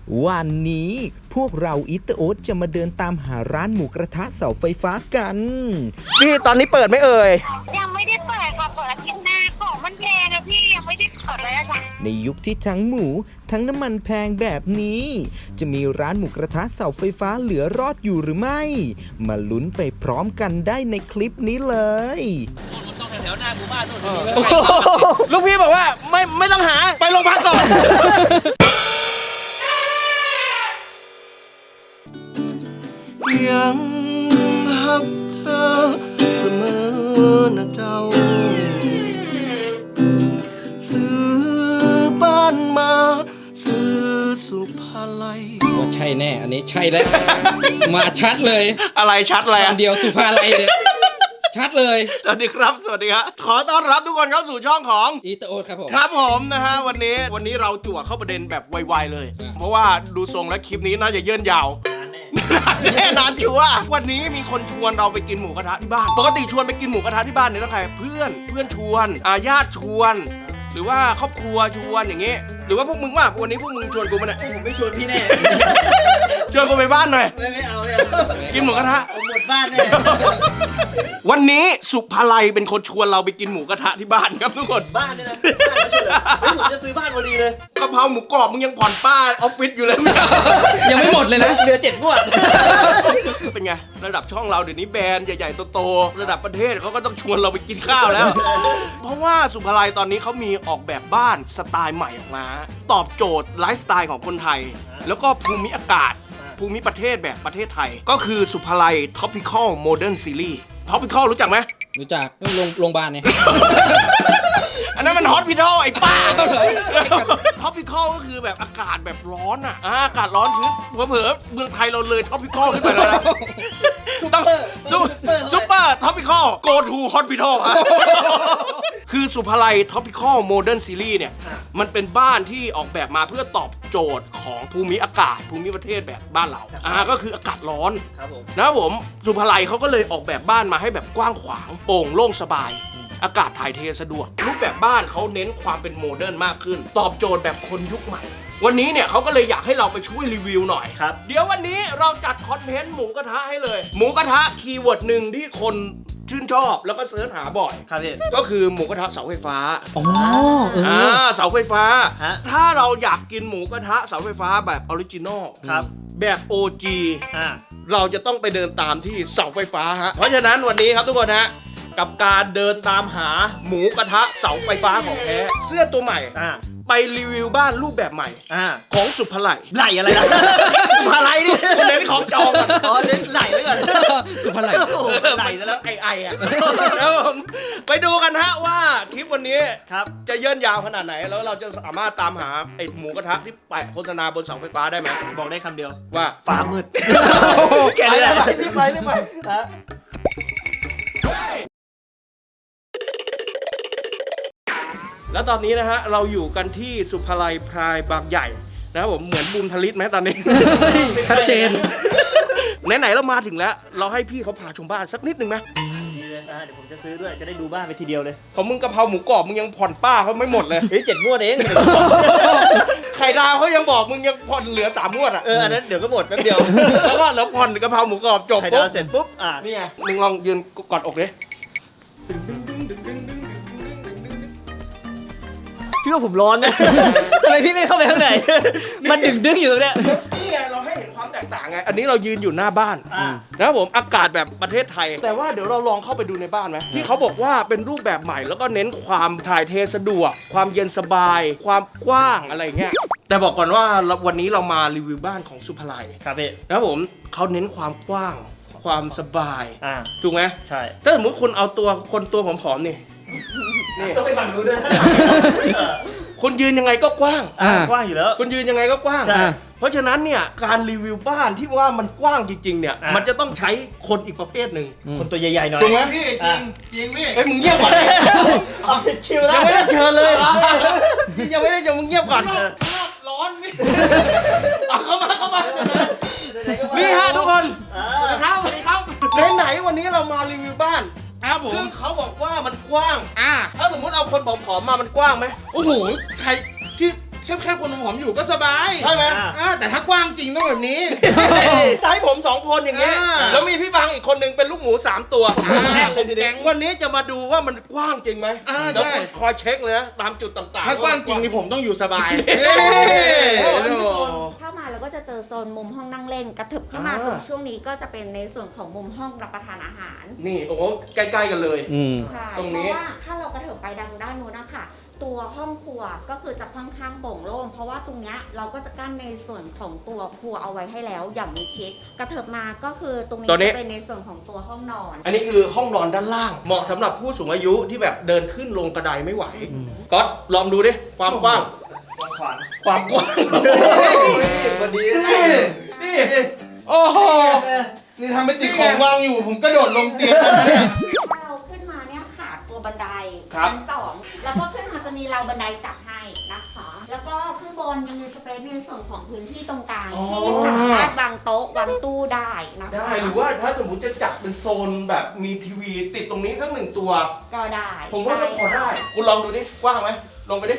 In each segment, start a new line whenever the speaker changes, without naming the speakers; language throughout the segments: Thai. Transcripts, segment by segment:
วันนี้พวกเราอีเตอร์โอ๊ตจะมาเดินตามหาร้านหมูกระทะเสาไฟฟ้ากันพี่ตอนนี้เปิดไหมเอ่ย
ยังไม่ได้เปิดค่ะเปิดอาทิตย์หน้าของมันแพงอะพี่ยังไม่ได้เปิดเลยอะค่ะ
ในยุคที่ทั้งหมูทั้งน้ำมันแพงแบบนี้จะมีร้านหมูกระทะเสาไฟฟ้าเหลือรอดอยู่หรือไม่มาลุ้นไปพร้อมกันได้ในคลิปนี้เลย
ต้องแถวหน้าหมู่บ้านลูกพี่บอกว่าไม่ต้องหาไปโรงพักก่อน
ยังรักเธอเสมอนะเจ้าซื้อบ้านมาซื้อสุภาลัย
ว่าใช่แน่อันนี้ใช่แล้ว มาชัดเลย
อะไรชัดเลย
อันเดียวสุภาลัยเลยชัดเลย
สวัสดีครับสวัสดีครับขอต้อนรับทุกคนเข้าสู่ช่องของ
อีเตอร์โอ๊ตครับผม
ครับผมนะฮะวันนี้เราจั่วเข้าประเด็นแบบไวๆเลยเพราะว่าดูทรงและคลิปนี้น่าจะเยื่นยาวแน่นานชัวร์วันนี้มีคนชวนเราไปกินหมูกระทะที่บ้านปกติชวนไปกินหมูกระทะที่บ้านเนี่ยต้องใครเพื่อนชวนญาติชวนหรือว่าครอบครัวชวนอย่างงี้หรือว่าพวกมึงว่าวันนี้พวกมึงชวนกูมาเนี่ย
ผมไม่ชวนพี่แน่
ชวนกูไปบ้านหน่อย
ไม่เอา
กินหมูกระทะ
ผมหมดบ้านแน่
วันนี้สุภาลัยเป็นคนชวนเราไปกินหมูกระทะที่บ้านครับทุกคน
บ้านเนี่ยนะบ้านไม่ใช่เหรอผมจะซื้อบ้านพอดีเลย
กะเพราหมูกรอบมึงยังผ่อนป้าออฟฟิศอยู่เลย
ยังไม่หมดเลยนะ
เหลือ7 งวด
เป็นไงระดับช่องเราเดี๋ยวนี้แบรนด์ใหญ่ๆโตๆระดับประเทศเขาก็ต้องชวนเราไปกินข้าวแล้วเพราะว่าสุภาลัยตอนนี้เขามีออกแบบบ้านสไตล์ใหม่ออกมาตอบโจทย์ไลฟ์สไตล์ของคนไทยแล้วก็ภูมิอากาศภูมิประเทศแบบประเทศไทยก็คือสุภาลัย Tropical Modern Series Tropical รู้จักไหม
รู้จักโรงพยาบาลเนี่ย
อันนั้นมันฮอตพิทอลไอ้ป้าท็อปพิคอลก็คือแบบอากาศแบบร้อนอ่ะอากาศร้อนคือเผลอเมืองไทยเราเลยท็อปพิคอลขึ้นไปแล้วนะต้องซุปเปอร์ท็อปพิคอลโกทูฮอตพิทอลคือสุภาลัยท็อปพิคอลโมเดิร์นซีรีส์เนี่ยมันเป็นบ้านที่ออกแบบมาเพื่อตอบโจทย์ของภูมิอากาศภูมิประเทศแบบบ้านเราก็คืออากาศร้อนนะครับผมสุภาลัยเขาก็เลยออกแบบบ้านมาให้แบบกว้างขวางโปร่งโล่งสบายอากาศถ่ายเทสะดวกรูปแบบบ้านเขาเน้นความเป็นโมเดิร์นมากขึ้นตอบโจทย์แบบคนยุคใหม่วันนี้เนี่ยเขาก็เลยอยากให้เราไปช่วยรีวิวหน่อยครับเดี๋ยววันนี้เราจัดคอนเทนต์หมูกระทะให้เลยหมูกระทะคีย์เวิร์ดหนึ่งที่คนชื่นชอบแล้วก็เสิร์ชหาบ่อยครับพี่ก็คือหมูกระทะเสาไฟฟ้าเสาไฟฟ้าถ้าเราอยากกินหมูกระทะเสาไฟฟ้าแบบออริจินอลครับแบบ OG เราจะต้องไปเดินตามที่เสาไฟฟ้าฮะเพราะฉะนั้นวันนี้ครับทุกคนฮะกับการเดินตามหาหมูกระทะเสาไฟฟ้าของแท้เสื้อตัวใหม่ไปรีวิวบ้านรูปแบบใหม่ของสุภาลัยไหลอะไรล่ะสุภาลัยนี่เน้นของจองก่อนเน้นไหลไว้ก่อน
สุภาลัย
ไหลแล้วไอแล้วผมไปดูกันฮะว่าคลิปวันนี้ครับจะเยินยาวขนาดไหนแล้วเราจะสามารถตามหาไอหมูกระทะที่แปะโฆษณาบนเสาไฟฟ้าได้ไหม
บอกได้คำเดียว
ว่า
ฟ้ามืด
แกนี่แหละรีบไปแล้วตอนนี้นะฮะเราอยู่กันที่สุภาลัยพรายบางใหญ่นะครับผมเหมือนบูมทลิตไหมตอนนี้
ชัดเจน
ไหนๆเรามาถึงแล้วเราให้พี่เขาพาชมบ้านสักนิดนึงไหม
ดีเลยเดี๋ยวผมจะซื้อด้วยจะได้ดูบ้านไปทีเดียวเลย
ของมึงกะเพราหมูกรอบมึงยังผ่อนป้าเขาไม่หมดเลย
7 งวดเอง
ไข่ดาวเขายังบอกมึงยังผ่อนเหลือ3 งวดอ่ะ
อันนั้นเดี๋ยวก็หมดแป๊บเดียว
แล้วผ่อนกะเพราหมูกรอบจบ
ไข่ดาวเสร็จปุ๊บ
นี่ไงมึงลองยืนกอดอกดิ
พี่ว่าผมร้อนนะทำไมพี่ไม่เข้าไปข้างในมันดึงอยู่ตรงเนี้ย
นี่ไงเราให้เห็นความแตกต่างไงอันนี้เรายืนอยู่หน้าบ้านนะครับผมอากาศแบบประเทศไทยแต่ว่าเดี๋ยวเราลองเข้าไปดูในบ้านไหมที่เขาบอกว่าเป็นรูปแบบใหม่แล้วก็เน้นความถ่ายเทสะดวกความเย็นสบายความกว้างอะไรเงี้ยแต่บอกก่อนว่าวันนี้เรามารีวิวบ้านของสุภาลัย
ครับพี่
นะครับผมเขาเน้นความกว้างความสบายถูกไหม
ใช่
ถ้าสมมติคนเอาตัวผอมๆนี่
ต้องไปฝั่งนู้นด้วย
คนยืนยังไงก็กว้าง
กว้างอยู่แล้ว
คนยืนยังไงก็กว้างเพราะฉะนั้นเนี่ยการรีวิวบ้านที่ว่ามันกว้างจริงๆเนี่ยมันจะต้องใช้คนอีกประเภทหนึ่ง
คนตัวใหญ่ๆหน่อย
ถูกไหม
พี่จริงพี่
มึงเงียบก่อน
เอาเป็นคิวแล้ว
ยังไม่ได้เชิญเลยยังไม่ได้จะมึงเงียบก่อนร้อนนี่เข้ามานี่ฮะทุกคนสวัสดีครับไหนวันนี้เรามารีวิวบ้านครับผมซึ่งเขาบอกว่ามันกว้างถ้าสมมติเอาคนผอมๆมามันกว้างไหม
โอ้โหใครที่
แคบๆคนผมอยู่ก็สบาย
ใช่ไหม
แต่ถ้ากว้างจริงต้องแบบนี้
ใช้ผม2คนอย่างเงี้ย
อ่า
แล้วมีพี่บางอีกคนนึงเป็นลูกหมู3ตัว
แกง
วันนี้จะมาดูว่ามันกว้างจริงไหม
ใช่
แล้วคุณคอยเช็คเลยนะตามจุดต่างๆ
ถ้ากว้างจริงนี่ผมต้องอยู่สบาย
เข้ามาเราก็จะเจอโซนมุมห้องนั่งเล่นกระเถิบเข้ามาตรงช่วงนี้ก็จะเป็นในส่วนของมุมห้องรับประทานอาหาร
นี่โอ้โหใกล้ๆกันเลย
ใช่
ตรง
เพ
นี้
ราะว่าถ้าเรากระเถิบไปด้านนู้นนะคะตัวห้องครัวก็คือจะค่อนข้างโปร่งโล่งเพราะว่าตรงเนี้ยเราก็จะกั้นในส่วนของตัวครัวเอาไว้ให้แล้วอย่างมิดชิดกระเถิบมาก็คือตรงนี้จะเป็นในส่วนของตัวห้องนอน
อันนี้คือห้องนอนด้านล่าง เหมาะสำหรับผู้สูงอายุที่แบบเดินขึ้นลงกระไดไม่ไหวก๊อตลองดูดิความกว้างความกว้าง
วันนี้นี่โอ้โหนี่ทำไม่ติดของวางอยู่ผมกระโดดลงเตียงแล้วนะ
ถ้าเราขึ้นมาเนี่ยค่ะตัวบันได
ครับ
ชั้น2แล้วก็ขึ้นมาจะมีราวบันไดจับให้นะคะ แล้วก็ข้างบนยังมีสเปซในส่วนของพื้นที่ตรงกลางที่สามารถวางโต๊ะวางตู้ได้นะคะ
ได้หรือว่าถ้าสมมติจะจัดเป็นโซนแบบมีทีวีติดตรงนี้สัก1 ตัว
ก็ได้
ผมว่าก็พอได้ คุณลองดูดิกว้างไหมลงไปดิ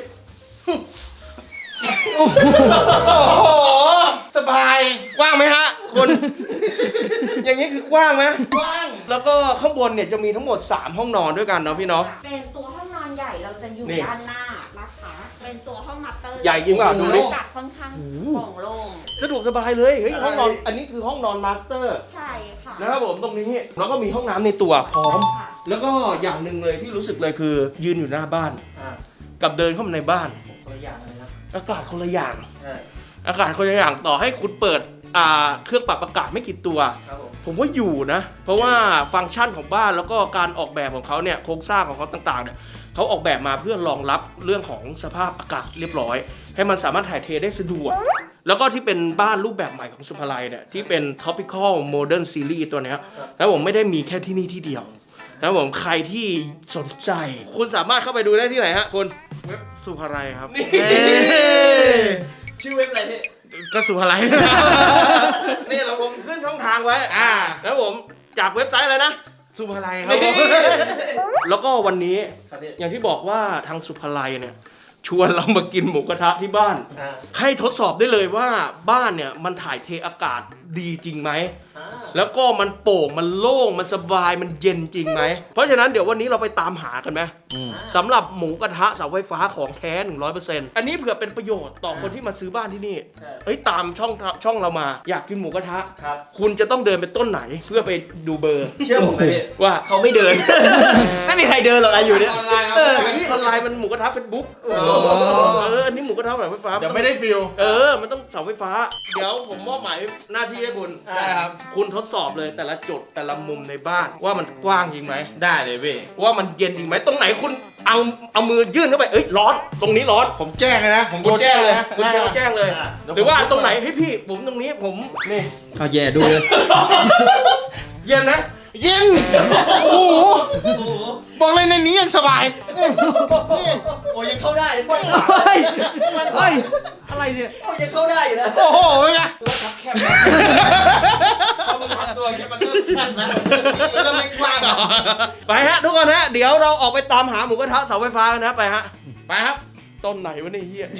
โอ้โหสบาย
กว้างไหมฮะคุณ อย่างนี้คือกว้างไหม
กว้าง
แล้วก็ข้างบนเนี่ยจะมีทั้งหมด3ห้องนอนด้วยกันเนาะพี่เนาะ
เป็นตัวห้องนอนใหญ่เราจะอยู่
นี่
ด้านหน้านะคะ เป็นตัวห้องมัตเตอร์
ใหญ่จริงเปล่าดูดิ
จัดค่อนข้างโปร่งโล่ง
สะดวกสบายเลยเฮ้ยห้องนอนอันนี้คือห้องนอนมาสเตอร์
ใช่ค่ะ
นะครับผมตรงนี้แล้วก็มีห้องน้ำในตัวพร้อม
ค่ะ
แล้วก็อย่างหนึ่งเลยที่รู้สึกเลยคือยืนอยู่หน้าบ้าน กับเดินเข้ามาในบ้าน
คนละอย่างเลยนะ
อากาศคนละอย่าง อากาศคนละอย่างต่อให้คุณเปิดเครื่องปรับอากาศไม่กี่ตัว
ครับผม
ผมว่าอยู่นะ เพราะว่าฟังก์ชันของบ้านแล้วก็การออกแบบของเขาเนี่ยโครงสร้างของเขาต่างๆเนี่ยเขาออกแบบมาเพื่อรองรับเรื่องของสภาพอากาศเรียบร้อย ให้มันสามารถถ่ายเทได้สะดวก แล้วก็ที่เป็นบ้านรูปแบบใหม่ของสุภาลัยเนี่ยที่เป็น Tropical Modern Series ตัวเนี้ยแล้วผมไม่ได้มีแค่ที่นี่ที่เดียวแล้วผมใครที่สนใจ คุณสามารถเข้าไปดูได้ที่ไหนฮะคุณ
เว็บสุภาลัยครับ
นี่
ชื่อเว็บอะไรพี่ก็สุภาลัย
นี่เราผมขึ้นช่องทางไว้ แล้วผมจากเว็บไซต์อะไรนะ
สุภาลัยครับ
แล้วก็วันนี้อย่างที่บอกว่าทางสุภาลัยเนี่ยชวนเรามากินหมูกระทะที่บ้าน ให้ทดสอบได้เลยว่าบ้านเนี่ยมันถ่ายเทอากาศดีจริงไหม แล้วก็มันโปร่งมันโล่งมันสบายมันเย็นจริงไหม เพราะฉะนั้นเดี๋ยววันนี้เราไปตามหากันไหมสำหรับหมูกระทะเสาไฟฟ้าของแท้ 100%อันนี้เผื่อเป็นประโยชน์ต่อคนที่มาซื้อบ้านที่นี่เอ้ยตามช่องเรามาอยากกินหมูกระทะ
ครับ
คุณจะต้องเดินไปต้นไหนเพื่อไปดูเบอร์
เชื่อผมไหมพี่
ว่า
เขาไม่เดิน ไม่มีใครเดินหรอกนะอยู่เนี่ย
ออนไลน์ครับ
นี่ออนไลน์มันหมูกระทะเฟซบุ๊กอันนี้หมูกระทะแบบไฟฟ้า
เดี๋ยวไม่ได้ฟิล
มันต้องเสาไฟฟ้า เดี๋ยวผมมอบหมายหน้าที่ให้คุณ
ได้ครับ
คุณทดสอบเลยแต่ละจุดแต่ละมุมในบ้านว่ามันกว้างจริงไหม
ได้เลยพี่
ว่ามันเย็นจริงไหมตรงไหนคุณเอามือยื่นเข้าไปเอ้ยร้อนตรงนี้ร้อน
ผมแจ้งเลยนะ ผม
คุณแจ้งเลย
นะ
คุณแจ้งเลย หรือว่าตรงไหนให้พี่ผมตรงนี้ผมนี่
เอาแย่ดูเลย
เย็นนะ
เย็น โอ้โห บอกเลยในนี้ยังสบายนี่
โอ้ยังเข้าได้เลย
เฮ้ย เฮ้ย อะไรเนี่ย
โอ้ยังเข้าได้อยู่นะ
โอ้โหเป็นไง
ทับแคบนะเขามึงทำตัวแค่มันเริ่มแคบนะเริ่มไม่กว้างอ่ะไปฮะทุกคนฮะเดี๋ยวเราออกไปตามหาหมูกระทะเสาไฟฟ้ากันนะไปฮะ
ไปครับ
ต้นไหนวะเนี่ยเฮีย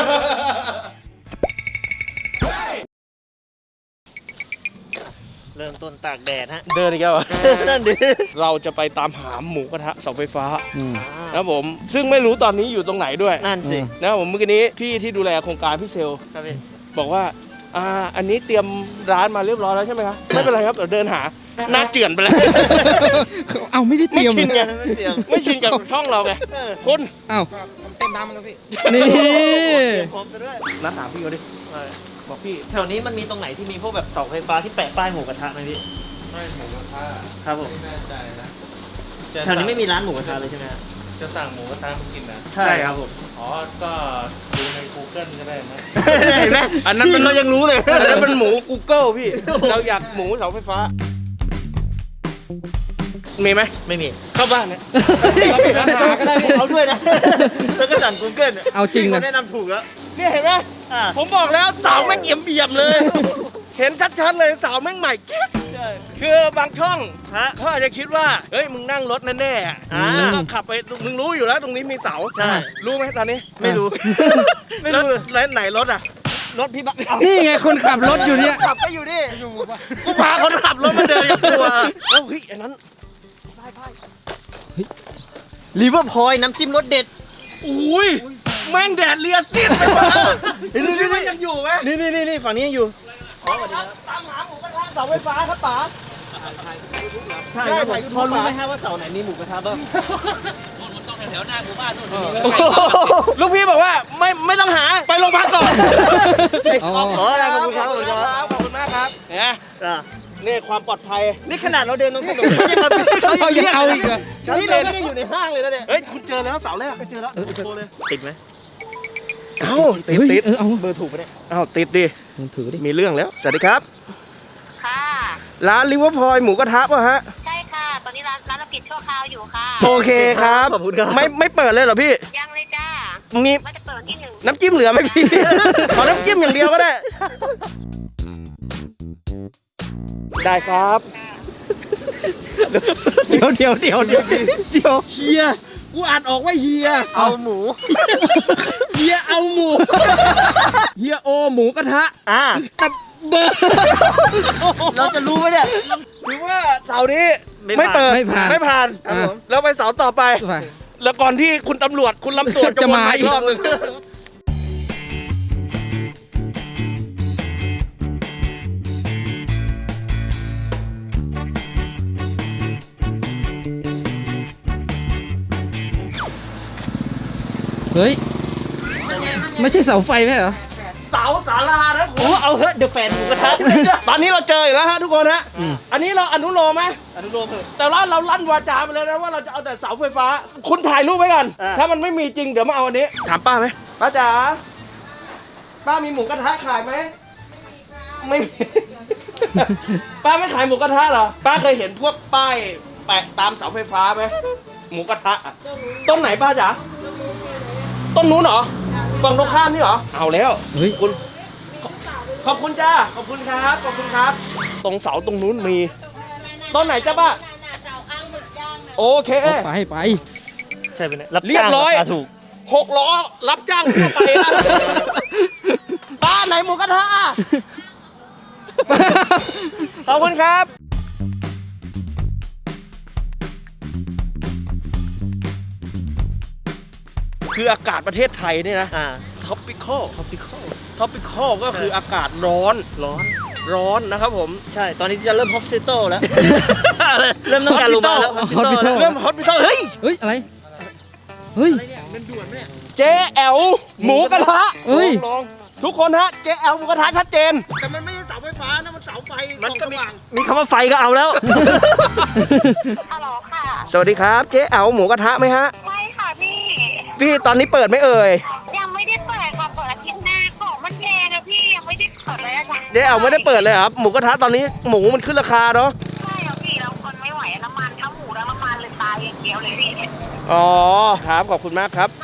เริ่มต้นตากแดดฮะ
เดินอีกแล้วเหรอ
นั่นดิ
เราจะไปตามหาหมูกระทะเสาไฟฟ้านะครับผมซึ่งไม่รู้ตอนนี้อยู่ตรงไหนด้วย
นั่นสิ
นะครับผมเมื่อกี้นี้พี่ที่ดูแลโครงการพี่เซล
ครับพี่
บอกว่าอันนี้เตรียมร้านมาเรียบร้อยแล้วใช่ไหมครับไม่เป็นไรครับเดี๋ยวเดินหาหน้าเจือนไปแล้ว
เอาไม่ได้เต
ไม่
รียม
ชินไง
ไม่เตรียม
ไม่ชินกับช่องเราไงคุณ
เอ้า
เต็มน้ำแล้วพี่
นี่
พร้อมกันด้วย
นัดถามพี่เขาดิบอกพี่
แถวนี้มันมีตรงไหนที่มีพวกแบบเสาไฟฟ้าที่แปะป้ายหมูกระทะไหมพี่
ไม่หมูกระทะ
ครับผม
ไม่แน่ใจนะ
แถวนี้ไม่มีร้านหมูกระทะเลยใช่ไหมฮะ
จะสั่งหมูกระทะมากินนะ
ใช่ครับผม
อ๋อ ก็ดูใน Google ก็ได้นะ
เห็นไหม
อันนั้นเป็น
พี่เขายังรู้เลย
อันนั้นเป็นหมู Google พี่เราอยากหมูเสาไฟฟ้ามีไหม
ไม่มี
เข้าบ้านเนี่ย
เราปิดร้านหาก็ได้พี่
เขาด้วยนะแล้วก็สั่ง Google นี่ย
เอาจริงนะ
พี่ขแนะนำถูกแล้ว
เนี่ยเห็นไหม
อ่า
ผมบอกแล้วเสาแม่งเอี่ยมเลย เห็นชัดๆเลยเสาแม่งใหม่กิ๊ก
ใช่
คือบางช่องเขาอาจจะคิดว่าเฮ้ยมึงนั่งรถแน่ๆอะแล้วก็ขับไปมึงรู้อยู่แล้วตรงนี้มีเสา
ใช่
รู้ไหมตอนนี้
ไม่รู้ ไม่รู้
แล้วไหนรถอ่ะ
รถพี่บัก
นี่ไงคนขับรถอยู่เนี่ย
ขับก็อยู่นี่
กูพาคนขับรถมาเดินอย่างกลัวเอ้าเฮ้ยอันนั้น
ลิเวอร์พอยน้ำจิ้มรสเด็ด
อุ้ยแม่งแดดเลียซิดไปหมดนี่มันยังอยู่ไหม
นี่ฝั่งนี้ยังอยู่
ตามหาหมูกระทะเสาไฟฟ้าครับป๋า
ใช่ครับผมพอรู้ไหมฮะว่าเสาไหนมีหมูกระทะบ้าง
ลูกพี่บอกว่าไม่ต้องหาไปโรงพักก่อน
อ๋อ
อ๋ออะไรขอบคุณครับขอบคุณครับ
ขอบคุณมากครับเนี่ยนี่ความปลอดภัย
นี่ขนาดเราเดินตรงถนนเขายังเอาอีกเหรอนี่เราไม่ได้อยู่ในห้างเลยนะเนี่ย
เฮ้ยคุณเจอแล้วเสาแรก
เจอแล้วโทรเลยติดไหม
เอ้าติด
เอา
เบอร์ถูกปะเนี่ย
เอ้าติดดิ
มึงถือดิ
มีเรื่องแล้วสวัสดีครับ
ค่ะ
ร้านลิเวอร์พอยหมูกระทะป่ะฮะ
ใช่ค่ะ ตอนนี้ร้านเราปิดชั่วคราวอยู่ค่ะ
โอเคครับ
ขอบคุณครับ
ไม่เปิดเลยเหรอพี่
ยังเลยจ้า
มี
ว่าจะเปิดที่หนึ่ง
น้ำจิ้มเหลือไหมพี่ ขอน้ำจิ้มอย่างเดียวก็ได้ ได้ครับ
เดี๋ยวเฮีย
กูอ่านออกว่าเฮีย
เอาหมู
เฮียเอาหมู เฮียโอหมูกระทะ แต่เบอร์
เราจะรู้ไหมเนี่ย
หรือว่าเสาร์นี้
ไม่
ไม่
ผ่าน
เปิด
ไม่ผ่าน
ไม่ผ่าน
ครับผม
แล้วไปเสาร์ต่อไป
ไป
แล้วก่อนที่คุณตำรวจคุณลำตรวจจะ
จะ
วน
มา
มาอีกรอบหนึ่ง
เฮ้ย ไม่ใช่เสาไฟไหมเหรอ
เสาศาลานะคุณ
โอ้เอาเถอะเดี๋ยวแฟนหมูกระทะ
ตอนนี้เราเจออีกแล้วฮะทุกคนฮะ อันนี้เราอนุโลมไหม
อนุโลมเถอะ
แต่ว่าเราลั่นวาจาไปแล้วนะว่าเราจะเอาแต่เสาไฟฟ้า คุณถ่ายรูปไว้ก่อน
อ่า
ถ้ามันไม่มีจริงเดี๋ยวมาเอาอันนี้ ถามป้าไหมป้าจ๋า ป้ามีหมูกระทะขายไหมไม่มี ป้าไม่ขายหมูกระทะเหรอ ป้าเคยเห็นพวกป้ายแปะตามเสาไฟฟ้าไหมหมูกระทะอะต้นไหนป้าจ๋า ต้นนู้นเหรอฝั่งตรงข้ามนี่เหรอ เอาแล้ว
เฮ้ย
คุณขอบคุณจ้า ขอบคุณครับ ขอบคุณครับ ตรงเสาตรงนู้นมี ต้นไหนจ้าป้า โอเค
ไป
ใช่ไหมเนี่ยรับ
เรียบ
จ้าง
ร้อย
าคาถูก
6 ล้อ รับจ้างทั่วไปอะป้าไหนหมูกระทะอะขอบคุณครับ คืออากาศประเทศไทยเนี่ยนะ ท็อปปิคอลก็คืออากาศร้อนนะครับผม
ใช่ ตอนนี้จะเริ่มฮอปซิโต้แล้ว เริ่มต้องการลงมาแล้ว
Hospital
เริ่มฮอตพิเศษเฮ้ย
เฮ้ย อะไร เฮ้ย
เจ๊แอลหมูกระทะ
เฮ้ย
ลองทุกคนฮะเจ๊แอลหมูกระทะชัดเจน แต่มันไม่ใช่เสาไฟฟ้านะมันเสาไฟ
มันก็มี
ส่องสว่าง
มีคำว่าไฟก็เอาแล้ว
ฮัลโหลค่ะ
สวัสดีครับเจ๊แอลหมูกระทะไหมฮะ
ไม่ค่ะพี่
พี่ตอนนี้เปิดไหมเอ่ย
ยังไม่ได้เปิดค่ะ เปิดอาทิตย์หน้าของมันแพงนะพี่ ยังไม่ได้เปิดเลยอะค่ะ
เจ๊แอลไม่ได้เปิดเลยครับหมูกระทะตอนนี้หมูมันขึ้นราคาเนาะ
ใช่ค่ะพี่เราคนไม่ไหวอะน้ำมันทั้งหมูและน้ำมันเลยตายอย่างเดียวเลยพี่
อ๋อครับขอบคุณมากครับ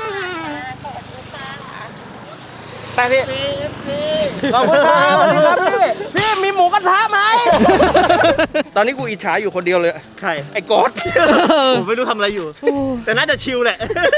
ไปพี่ขอบคุณครับสวัสดีครับพี่มีหมูกระทะไหม ตอนนี้กูอิจฉาอยู่คนเดียวเลย
ใคร
ไอ้กอด
ผมไม่รู้ทำอะไรอยู่ แต่น่าจะชิลแหละ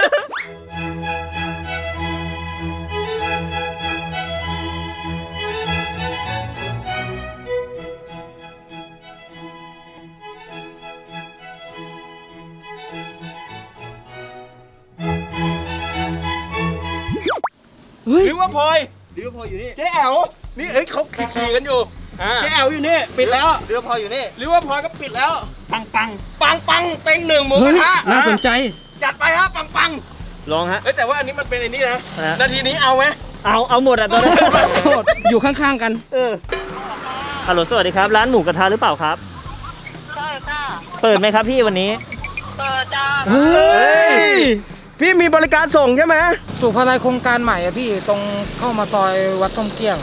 เฮ้ย
หรือว่าพลอย
ลิเวอร์พูลอยู่นี่
เจ๊แอลนี่เอ้ยเขาขี่กันอยู่ เจ๊แอลอยู่นี่ปิดแล้ว
ลิเวอร์พูลอยู่นี่
หรือว่าพลอยก็ปิดแล้ว
ปัง
ปังเต็งหนึ่งหมูก
เฮ้
ระ
ย
ทะ
น่าสนใจ
จัดไปฮะปัง
ลองฮะ
เอ้ยแต่ว่าอันนี้มันเป็นไอ้นี่นะ
ฮะ
นาทีนี้เอาไหม
เอาหมดอ่ะตอนนี้
อยู่ข้างๆกัน
ฮัลโหลสวัสดีครับ ร้านหมูกระทะหรือเปล่าครับ
ใช่ค่ะ
เปิดไหมครับพี่วันนี้
เปิดจ้า
เฮ้ย
พี่มีบริการส่งใช่ไหม
สุภาลัยโครงการใหม่อะพี่ตรงเข้ามาซอยวัดส้มเกลี้ยงอะ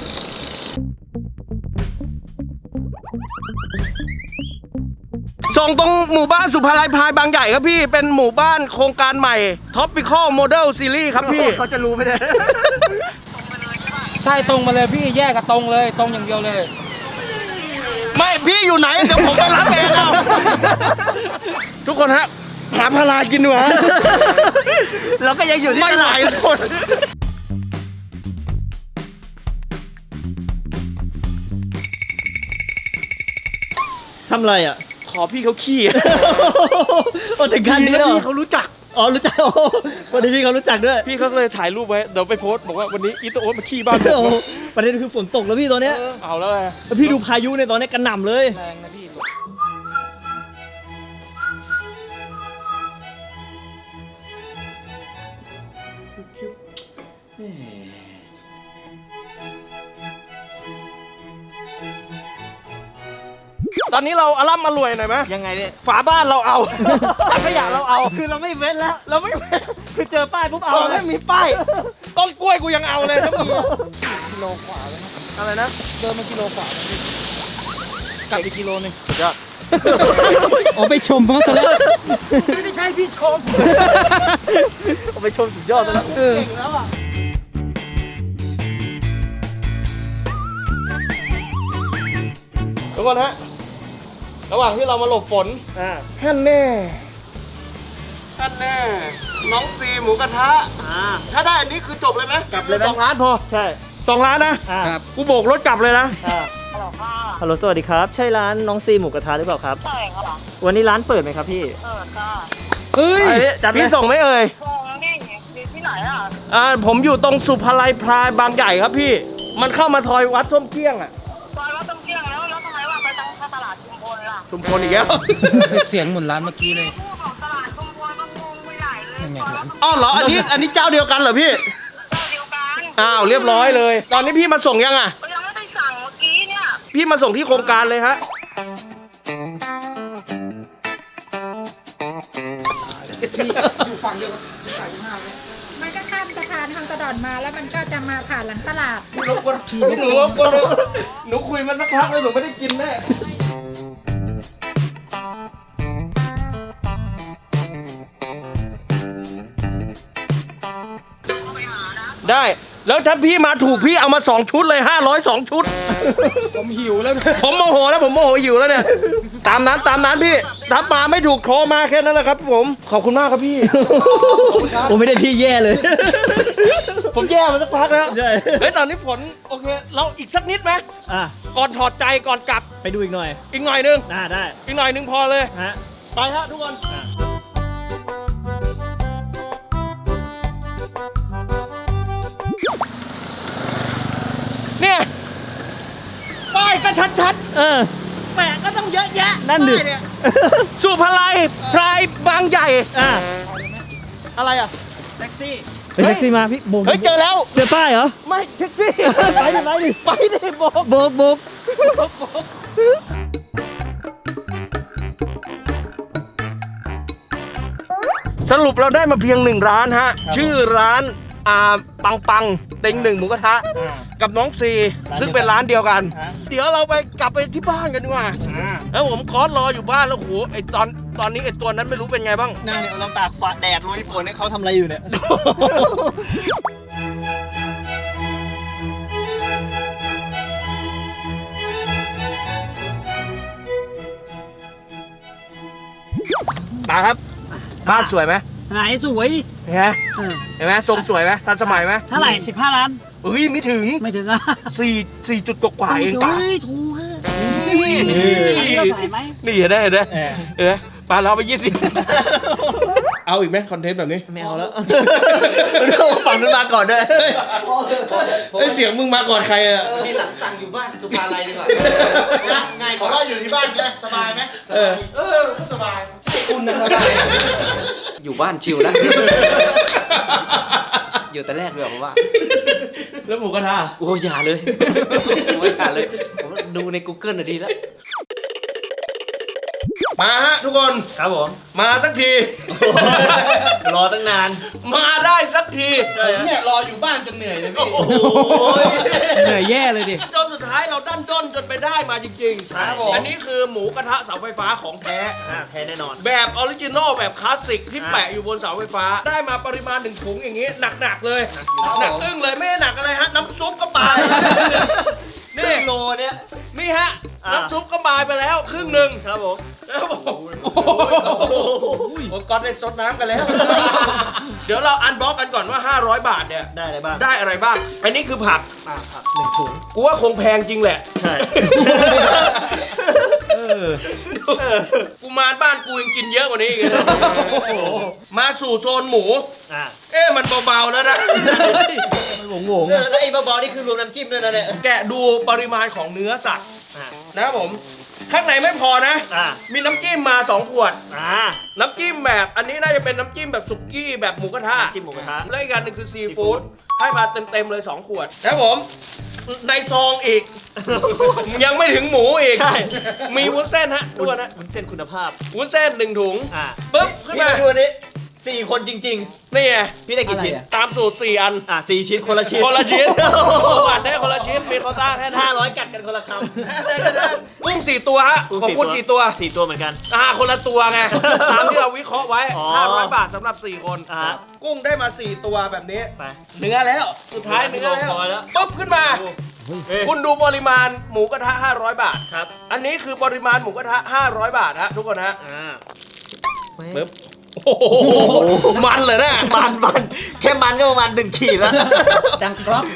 ส่งตรงหมู่บ้านสุภาลัยพายบางใหญ่ครับพี่เป็นหมู่บ้านโครงการใหม่ Tropical Model Series ครับพี่
เขาจะรู้ไหมเนี่ย
ใช่ตรงมาเลยพี่แยกกับตรงเลยตรงอย่างเดียวเลย
ไม่พี่อยู่ไหนเดี๋ยวผมไปรับเองเอาทุกคนฮะหาพารากินดีกว่า
เราก็ยังอยู่ที่
ไม่
ต
ไหว
ลาด
ทุกคน
ทำอะไรอ่ะ
ขอพี่เขาขี้
โอ้ถึงขั้นนี้
ดี
แล้ว
นะ
เหรอ
พี่เขารู้จัก
อ๋อรู้จักโอ้วันนี้พี่เขารู้จักด้วย
พี่เขาเลยถ่ายรูปไว้เดี๋ยวไปโพสต์บอกว่าวันนี้อีโตโอ๊ตมาขี้บ้านผ
โอ้
ม
ประเด็นคือฝนตกแล้วพี่ตอนเนี้ย
เอาแล้วไง
แล้วพี่ดูพายุในยตอนนี้กระหน่ำเลย
แรงนะพี่
ตอนนี้เราอาร่ำมารวยหน่อยไหม
ยังไงเนี่ย
ฝาบ้านเราเอา ขยะเราเอา
คือเราไม่เว้นแล้ว
เราไม่
คือเจอป้ายปุ๊บเอา
เอา
เล
ให้
ย
มีป้ายต้นกล้วยกูยังเอาเลยถ้ามี
กิโลกว่าเลยนะ
อะไรนะ
เดินมากิโลกว่าแล้วพี่กลับอีกกิโลนึง
สุดยอด
อ๋อไปชมเขาซะแล้ว
ไม่ใช่พี่ชม
เอาไปชมสุดยอดซะแล้ว
เก่งแล้วอ่ะ
ทุกคนฮะระหว่างที่เรามาหลบฝน
อ่า
ท่านแน่ท่านแน่ น้องซีหมูกระทะ ถ้าได้อันนี้คือจบเลยไหม
กลับเลยนะ
2 ล้านพอ
ใช่
2 ล้านนะ
อ่า
ครับ
กูโบกรถกลับเลยนะ
ฮัลโหลสวัสดีครับ ใช่ร้านน้องซีหมูกระทะหรือเปล่าครับใช่ครับวันนี้ร้านเปิดไหมครับพี่เฮ้ยจัดเลย
พี่ส่งไหมเอ่ย
ที่ไหนอ่ะ
ผมอยู่ตรงสุภาลัยพรายบางใหญ่ครับพี่ มันเข้ามาทอยวัดส้มเกี้ยงอ่ะ
ซอยวัดต้มเกี้ยงแล้วทำไมว่าไปทางตลาดชุมพลล่ะ
ชุมพลอีกแล้ว
เสียงเหมือนร้านเมื่อกี้เลย
ผู้ของตลาดชุมพลก็งงไปใหญ่เลย
ยังไง
ซอย
ร้า
วั
น
ด
อ้าวเหรอ อันนี้เจ้าเดียวกันเหรอพี่
เจ้าเดียวกัน
อ้าวเรียบร้อยเลย ตอนนี้พี่มาส่งยังอ่ะ
ก็ยังไม่ได้สั่งเมื่อกี้เนี่ย
พี่มาส่งที่โครงการเลยฮะ
อยู่ฝั่งเดียวกับสายห้าไหม
มันก็ข้ามสะพานทางกระดอนมาแล้วมันก็จะมาผ่านหลังตลาด
หนูคุยมันสักพักแล้วหนูไม่ได้กินแน่ได้ แล้วถ้าพี่มาถูกพี่เอามา2 ชุดเลย502 ชุด
ผมหิวแล้ว
ผมโมโหแล้วผมโมโหหิวแล้วเนี่ย ตามนั้นพี่ถ้ามาไม่ถูกโทรมาแค่นั้นแหละครับผมขอบคุณมากครับพี่
ผมไม่ได้พี่แย่เลย
ผมแย่มาสักพักแล้ว
ใช่
เฮ้ยตอนนี้ฝนโอเค เราอีกสักนิดไหม
อ่ะ
ก่อนถอดใจก่อนกลับ
ไปดูอีกหน่อย
อีกหน่อยนึง
ได้
อีกหน่อยนึงพอเลย
ฮะ
ไปฮะทุกคน เนี่ยป้ายก็ชัด
เออ
ๆแปะก็ต้องเยอะแยะ
นั่นดิ
ป้ายเยสุภาลัยพรายบางใหญ่
อ่ะ
อะไรอ่ะ
แท็กซี่
ไปแท็กซี่มาพี่โบก
เฮ้ยเจอแล้ว
เจอป้ายเหรอ
ไม่แท็กซี่
ไปดิ
ไปดิโบก
โบก
สรุปเราได้มาเพียง1 ร้านฮะ ชื่อร้านปังเต็ง1หมูกระทะ กับน้องซีซึ่งเป็นร้านเดียวกัน เดี๋ยวเราไปกลับไปที่บ้านกันดีกว่าแล้วผมคอสรออยู่บ้านแล้วโหไอตอนนี้ไอตัวนั้นไม่รู้เป็นไงบ้าง
หน้าเนี่ยเราตากฝาแดดลุยฝนให้เขาทำอะไรอยู่เนี่ย
มาครับ บ้านสวยไหม
ไหนสวย
เห็นไหมเห็นไหมทรงสวยไหมทันสมัยไหม
เท่าไหร่15 ล้าน
เฮ้ยไม่ถึง
ไม่ถึงอ่ะ
4 จุดกว่าๆเอง
โอ้ยถูกอ่ะ
นี่
เราถ่ายไหม
นี่เห็นได้เห็นได้
เออ
เห็นไหมปลาเราไป20 เอาอีกไหมคอนเทนต์แบบนี้
ไม่เอาแล้วฝั่งนู้นมาก่อนด้วย
เฮ้ยเสียงมึงมาก่อนใครอ่ะ
ทีหลังสั่งอยู่บ้านสุภาลัยดีกว่าง่ายกว่าว่าอยู่ที่บ้านเนี่ยสบายไหม
เออ
ก็สบาย
คุณนะสบาย
อยู่บ้านชิลนะ อยู่แต่แรกเลยผมว่า
แล้วหมูกระทะ
โอ้อย่าเลยโอ้อย่าเลย ผมดูใน Google น่ะดีแล้ว
มาฮะทุกคน
ครับผม
มาสักที
รอตั้งนาน
มาได้สักที
ผมเนี่ยรออยู่บ้านจนเหนื่อยเลยพี่
โอ้โห
เหนื่อยแย่เลยดิ
จนสุดท้ายเราดันด้นจนไปได้มาจริงๆ
ครับผม
อันนี้คือหมูกระทะเสาไฟฟ้าของแท้
แท้แน่นอน
แบบออริจินอลแบบคลาสสิกที่แปะอยู่บนเสาไฟฟ้า ได้มาปริมาณ1 ถุงอย่างนี้ หนักๆเลย หนักอึ้งเลยไม่ได้หนักอะไรฮะ น้ำซุปก็ปลานี่
โลเนี่ย
นี่ฮะน้ำซุปก็มาไปแล้วครึ่งหนึ่ง
ครับผม
ครับผมก็ได้ซดน้ำกันแล้ว เดี๋ยวเราอันบล็อกกันก่อนว่า 500 บาทเนี่ย
ได้อะไรบ้าง
ได้อะไรบ้าง อันนี้คือผัก
ผัก1 ถุง
กูว่าคงแพงจริงแหละ
ใช่
กูมารบ้านกูยังกินเยอะกว่านี้อีกนะมาสู่โซนหมู มันเบาๆแล้วนะ
มันงงๆแล้วไอ้บอลนี่คือรวมน้ำจิ้มด้วยนะเนี่ย
แกะดูปริมาณของเนื้อสัตว์นะครับผม ข้างในไม่พอนะ มีน้ำจิ้มมา2 ขวด น้ำจิ้มแบบอันนี้น่าจะเป็นน้ำจิ้มแบบสุกี้แบบหมูกระทะ
จิ้มหมูกระทะ
แล้วอีกอันหนึงคือซีฟู้ดให้มาเต็มๆเลย2 ขวดนะครับผมในซองอีก ยังไม่ถึงหมูอีก
ใช่
มีวุ้นเส้นฮะดูนะ
วุ้นเส้นคุณภาพ
วุ้นเส้น1 ถุง ปึ๊บขึ้น
พี่
มา
มาดูอันนี้4 คนจริง
นี่ไง
ๆ พี่ได้กี่ชิ้น
ตามสูตร4 อัน
4 ชิ้นคนละชิ้น
คนละชิ้นหวานได้คนละชิ้นมีโควต้าแค่นั้น
500 กัดกันคนละคำ
กุ้ง4 ตัวฮะของคุณกี่ตัว
4 ตัวเหมือนกัน
คนละตัวไง ตามที่เราวิเคราะห์ไว้
อ๋อ
500 บาทสำหรับ 4 คน กุ้งได้มา 4 ตัวแบบนี้
ไป
เนื้อแล้ว สุดท้ายเนื้อ
พอแล้ว
ปุ๊บขึ้นมา คุณดูปริมาณหมูกระทะ 500 บาท
ครับ
อันนี้คือปริมาณหมูกระทะ 500 บาทฮะทุกคนฮะ ปึ๊บ โอ้โห มันเลยนะ
มันแค่มันก็ประมาณ1 ขีดแล้วจังครับ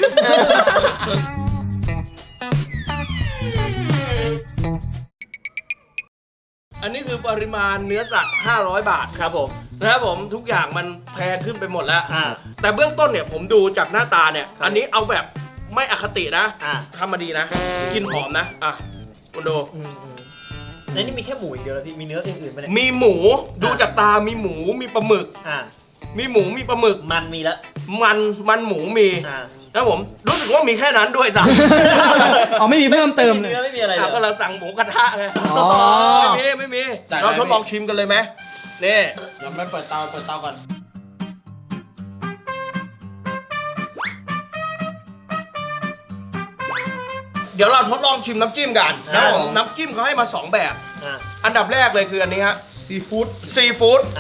อันนี้คือปริมาณเนื้อสัตว์ 500 บาท
ครับผม
นะครับผมทุกอย่างมันแพงขึ้นไปหมดแล้ว แต่เบื้องต้นเนี่ยผมดูจากหน้าตาเนี่ย อันนี้เอาแบบไม่อคตินะทำมาดีนะ กินหอมนะ คุณดู
ในนี้มีแค่หมูอย่างเดียวแล้วพี่ มีเนื้ออย่างอื่นไหมเนี่ย
มีหมู ดูจากตามีหมู มีปลาหมึก มีหมู มีปลาหมึก
มันมีแล้ว
มันหมูมีนะผม รู้สึกว่ามีแค่นั้นด้วยจ้ะ
ไม่มีเพิ่มเติมเลย
เนื้อไม่มีอะไรเลย
ก็เราสั่งหมูกระทะไง
อ๋อ
ไม่มี เราทดลองชิมกันเลยไหมนี่
ยังไม่เปิดเตาก่อน
เดี๋ยวเราทดลองชิมน้ำจิ้มกัน
ครับผม
น้ำจิ้มเขาให้มา 2 แบบ อันดับแรกเลยคืออันนี้ฮะ
ซีฟู้ด
ซีฟู้ด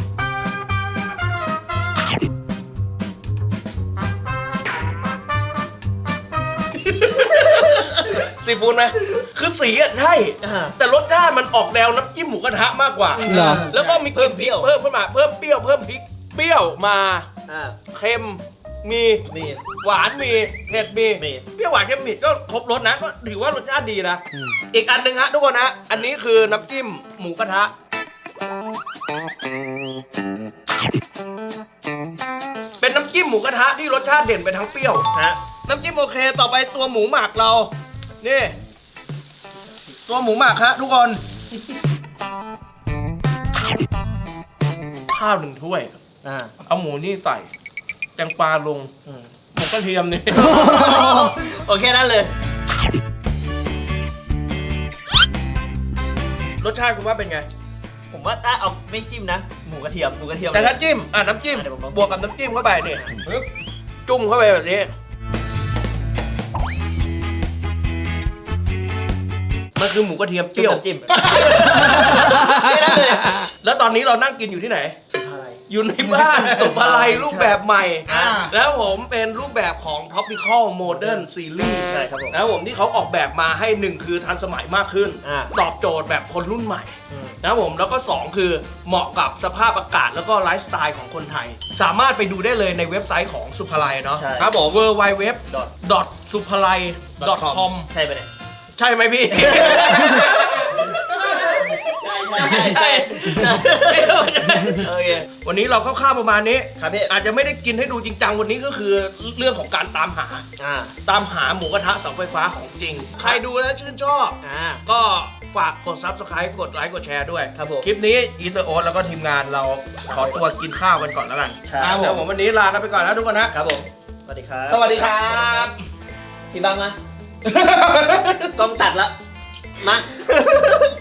ซีฟู้ดไหมคือสีอ่ะใช่ แต่รสชาติมันออกแนวน้ำจิ้มหมูกระทะมากกว่า
เหรอ
แล้วก็มีกลิ่นพริกเพิ่มขึ้นมา เพิ่มเปรี้ยว เพิ่มพริก เปรี้ยวมา เค็ม มี หวานมี เผ็ดมี เปรี้ยวหวานเค็มมีก็ครบรสนะ ก็ถือว่ารสชาติดีนะ อีกอันหนึ่งฮะทุกคนฮะ อันนี้คือน้ำจิ้มหมูกระทะ เป็นน้ำจิ้มหมูกระทะที่รสชาติเด่นไปทั้งเปรี้ยว น้ำจิ้มโอเค ต่อไปตัวหมูหมักเรา นี่ ตัวหมูหมักฮะทุกคน ข้าว1 ถ้วย เอาหมูนี่ใส่แตงปลาลงหมูกระเทียมนี่
โอเคนั่นเลย
รสชาติคุณว่าเป็นไง
ผมว่าถ้าเอาไม่จิ้มนะ หมูกระเทียม
แต่ถ้าจิ้ม น้ำจิ้ม
เดี๋ยวผมลอง
บวกกับน้ำจิ้มเข้าไปเนี่ยจุ่มเข้าไปแบบนี้ มันคือหมูกระเทียมเปรี้ยว
น้ำจิ้มแค่นั้นเลย
แล้วตอนนี้เรานั่งกินอยู่ที่ไหน
สุภาลัย
อยู่ในบ้านสุภาลัยรูปแบบใหม่
อ่า
แล้วผมเป็นรูปแบบของ Tropical Modern Series
ใช่ครับผม
นะครับผมที่เขาออกแบบมาให้1คือทันสมัยมากขึ้น ตอบโจทย์แบบคนรุ่นใหม่นะครับผมแล้วก็2คือเหมาะกับสภาพอากาศแล้วก็ไลฟ์สไตล์ของคนไทย สามารถไปดูได้เลยในเว็บไซต์ของสุภาลัยเนาะ
ใช่
ครับผม
www.suphalai.com
ใช่ไปเนี่ย
ใช่ไหมพี่
ใช่โอเค
วันนี้เราคร่าวๆประมาณนี้
ครับพี่
อาจจะไม่ได้กินให้ดูจริงจังวันนี้ก็คือเรื่องของการตามหาหมูกระทะเสาไฟฟ้าของจริง ใครดูแล้วชื่นชอบก็ฝากกด Subscribe กดไลค์กดแชร์ด้วย
ครับผม
คลิปนี้อีเตอร์โอ๊ตแล้วก็ทีมงานเราขอตัวกินข้าวกันก่อนแล้วกัน
ครับผม
แล้วผมวันนี้ลากันไปก่อนนะทุกคนนะ
ครับผม สวัสดีครับ
สวัสดีครับ
พี่บังนะ ต้องตัดละ มา